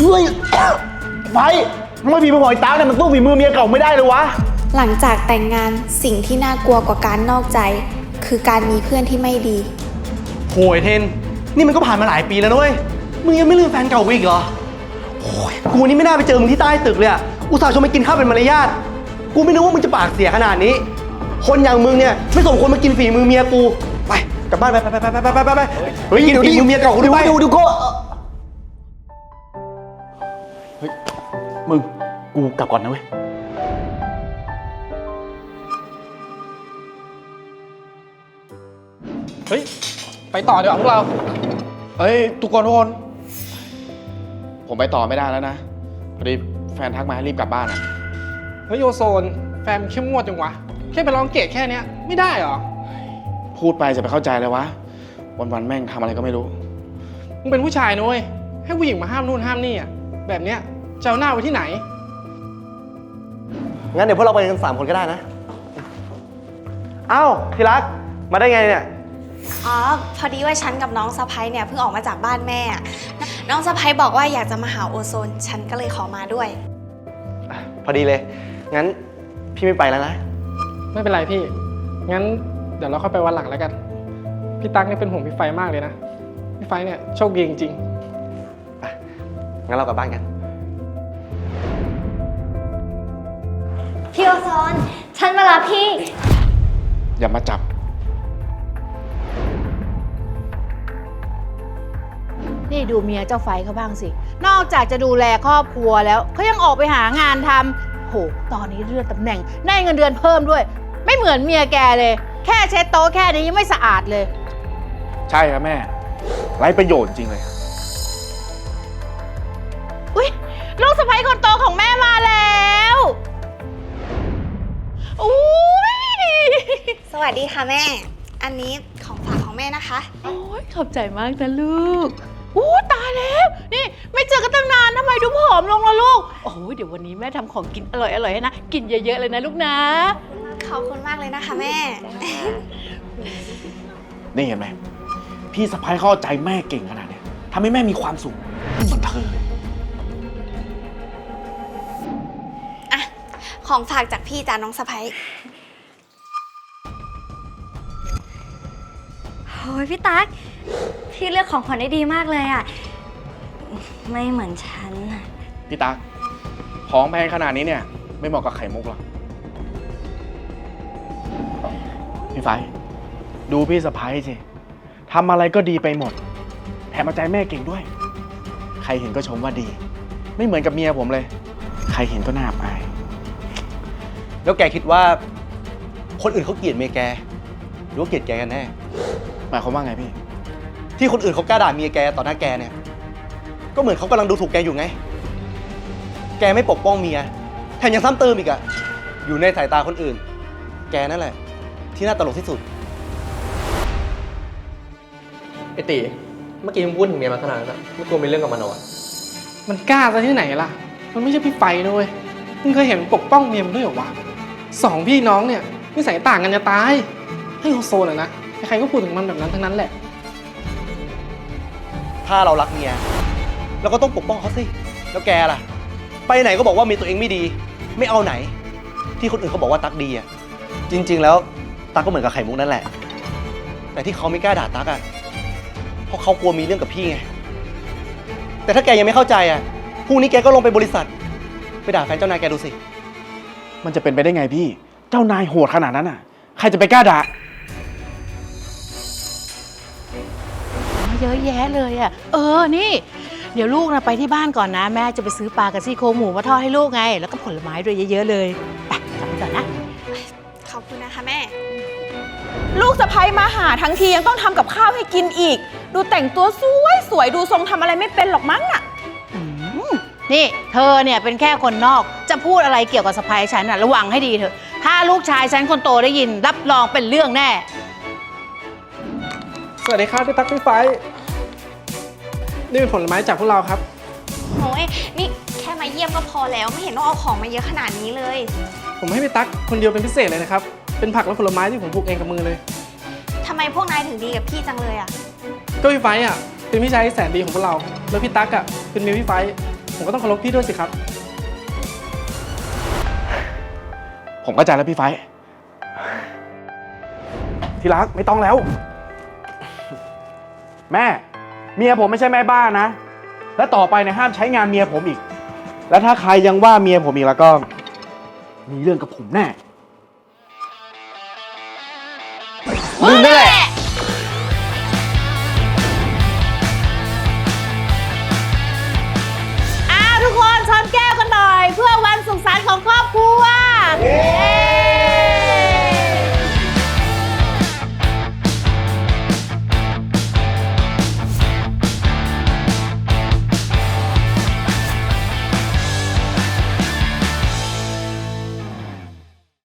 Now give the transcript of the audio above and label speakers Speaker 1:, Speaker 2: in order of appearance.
Speaker 1: ฮ้ยไปทำไมฝีมือของไอ้ตั๊กเนี่ยมันสู้ฝีมือเมียเก่าไม่ได้เลยวะ
Speaker 2: หลังจากแต่งงานสิ่งที่น่ากลัวกว่าการนอกใจคือการมีเพื่อนที่ไม่ดี
Speaker 1: โหยเทนนี่มันก็ผ่านมาหลายปีแล้วด้วยมึงยังไม่ลืมแฟนเก่ากูอีกเหรอโอ้ยกูนี่ไม่น่าไปเจอมึงที่ใต้ตึกเลยอะอุตส่าห์ชวนไปกินข้าวเป็นมารยาทกูไม่นึกว่ามึงจะปากเสียขนาดนี้คนอย่างมึงเนี่ยไม่สมควรมากินฝีมือเมียกูไปกลับบ้านไปเฮ้ยกินฝีมือเมียเก่ากูด้วยดูก็เฮ้ยมึงกูกลับก่อนนะเว้ย
Speaker 3: เฮ้ยไปต่อดีกว่าพวกเรา
Speaker 1: เฮ้ยทุกคนผมไปต่อไม่ได้แล้วนะพอดีแฟนทักมาให้รีบกลับบ้านอ่ะ
Speaker 3: เฮ้ยโอโซนแฟนเข้มงวดจังวะแค่ไปร้องเกตแค่นี้ไม่ได้หรอ
Speaker 1: พูดไปจะไปเข้าใจเลยวะวันแม่งทำอะไรก็ไม่รู้
Speaker 3: มึงเป็นผู้ชายนุ้ยให้ผู้หญิงมาห้ามนู่นห้ามนี่อ่ะแบบเนี้ยจะเอาหน้าไว้ที่ไหน
Speaker 1: งั้นเดี๋ยวพวกเราไปกัน3 คนก็ได้นะเอ้าที่รักมาได้ไงเนี่ย
Speaker 2: อ๋อพอดีว่าฉันกับน้องสะใภ้เนี่ยเพิ่งออกมาจากบ้านแม่น้องสะใภ้บอกว่าอยากจะมาหาโอโซนฉันก็เลยขอมาด้วย
Speaker 1: พอดีเลยงั้นพี่ไม่ไปแล้วนะ
Speaker 3: ไม่เป็นไรพี่งั้นเดี๋ยวเราค่อยไปวันหลังแล้วกันพี่ตั๊กนี่เป็นห่วงพี่ไฟมากเลยนะพี่ไฟเนี่ยโชคดีจริง
Speaker 1: ๆงั้นเรากลับบ้านกัน
Speaker 4: พี่โอโซนฉันมารับพี่
Speaker 1: อย่ามาจับ
Speaker 5: นี่ดูเมียเจ้าไฟเขาบ้างสินอกจากจะดูแลครอบครัวแล้วเขายังออกไปหางานทำโหตอนนี้เลื่อนตำแหน่งได้เงินเดือนเพิ่มด้วยไม่เหมือนเมียแกเลยแค่เช็ดโต๊ะแค่นี้ยังไม่สะอาดเลย
Speaker 1: ใช่ครับแม่ไร้ประโยชน์จริงเลย
Speaker 5: อุ๊ยลูกสะใภ้คนโตของแม่มาแล้วอุ๊ย
Speaker 2: สวัสดีค่ะแม่อันนี้ของฝากของแม่นะคะ
Speaker 5: โอ้ยขอบใจมากนะลูกอู้ตายแล้วนี่ไม่เจอกันตั้งนานทำไมดูผอมลงล่ะลูกโอ้ยเดี๋ยววันนี้แม่ทำของกินอร่อยๆให้นะกินเยอะๆเลยนะลูกนะ
Speaker 2: ขอบคุณมากเลยนะคะแม่
Speaker 1: นี่เห็นไหมพี่สะใภ้เข้าใจแม่เก่งขนาดนี้ทำให้แม่มีความสุขเหมือนเธอเลย
Speaker 2: อะของฝากจากพี่จ้าน้องสะใภ้
Speaker 4: โอ้ยพี่ตั๊กพี่เลือกของขวัญได้ดีมากเลยอ่ะไม่เหมือนฉัน
Speaker 1: พี่ตั๊กของแพงขนาดนี้เนี่ยไม่เหมาะกับไข่มุกหรอกพี่ไฟดูพี่สะใภ้สิทำอะไรก็ดีไปหมดแถมเอาใจแม่เก่งด้วยใครเห็นก็ชมว่าดีไม่เหมือนกับเมียผมเลยใครเห็นก็น่าอายแล้วแกคิดว่าคนอื่นเขาเกลียดเมียแกหรือว่าเกลียดแกกันแน่หมายความว่าไงพี่ที่คนอื่นเขากล้าด่าเมียแกต่อหน้าแกเนี่ยก็เหมือนเขากำลังดูถูกแกอยู่ไงแกไม่ปกป้องเมียแถมยังซ้ำเติมอีกอะอยู่ในสายตาคนอื่นแกนั่นแหละที่น่าตลกที่สุด
Speaker 6: ไอ้ตีเมื่อกี้มึงพูดถึงเมียมาขนาดนั้นไม่กลัวมีเรื่องกับมันหรอ
Speaker 3: มันกล้าซะที่ไหนล่ะมันไม่ใช่พี่ไฟนะเว้ยมึงเคยเห็นปกป้องเมียมันด้วยเหรอวะ2 พี่น้องเนี่ยนิสัยต่างกันจะตายให้โอโซนนะใครก็พูดถึงมันแบบนั้นทั้งนั้นแหละ
Speaker 1: ถ้าเรารักเมียเราก็ต้องปกป้องเขาสิแล้วแกล่ะไปไหนก็บอกว่าเมียตัวเองไม่ดีไม่เอาไหนที่คนอื่นเขาบอกว่าตั๊กดีอ่ะจริงๆแล้วตั๊กก็เหมือนกับไข่มุกนั่นแหละแต่ที่เขาไม่กล้าด่าตั๊กอ่ะเพราะเขากลัวมีเรื่องกับพี่ไงแต่ถ้าแกยังไม่เข้าใจอ่ะพรุ่งนี้แกก็ลงไปบริษัทไปด่าแฟนเจ้านายแกดูสิมันจะเป็นไปได้ไงพี่เจ้านายโหดขนาดนั้นอ่ะใครจะไปกล้าด่า
Speaker 5: เยอะแยะเลยอ่ะนี่เดี๋ยวลูกนะไปที่บ้านก่อนนะแม่จะไปซื้อปลากับซี่โครงหมูมาทอดให้ลูกไงแล้วก็ผลไม้ด้วยเยอะๆเลยไปกลับไปก่อนนะ
Speaker 2: ขอบคุณนะคะแม่
Speaker 7: ลูกสะใภ้มาหาทั้งทียังต้องทำกับข้าวให้กินอีกดูแต่งตัวสวยดูทรงทำอะไรไม่เป็นหรอกมั้งอ่ะ
Speaker 5: นี่เธอเนี่ยเป็นแค่คนนอกจะพูดอะไรเกี่ยวกับสะใภ้ฉันน่ะระวังให้ดีเถอะถ้าลูกชายฉันคนโตได้ยินรับรองเป็นเรื่องแน่
Speaker 3: สวัสดีครับพี่ตั๊กพี่ไฟนี่เป็นผลไม้จากพวกเราครับ
Speaker 2: โอ้ยนี่แค่มาเยี่ยมก็พอแล้วไม่เห็นต้องเอาของมาเยอะขนาดนี้เลย
Speaker 3: ผมให้พี่ตั๊กคนเดียวเป็นพิเศษเลยนะครับเป็นผักและผลไม้ที่ผมปลูกเองกับมือเลย
Speaker 2: ทำไมพวกนายถึงดีกับพี่จังเลยอ่ะ
Speaker 3: ก็พี่ไฟเป็นพี่ชายที่แสนดีของพวกเราแล้วพี่ตั๊กเป็นเมียพี่ไฟผมก็ต้องเคารพพี่ด้วยสิครับ
Speaker 1: ผมเข้าใจแล้วพี่ไฟท์ที่รักไม่ต้องแล้ว แม่เมียผมไม่ใช่แม่บ้านนะ และต่อไปเนี่ยห้ามใช้งานเมียผมอีก และถ้าใครยังว่าเมียผมอีกแล้วก็ มีเรื่องกับผมแน่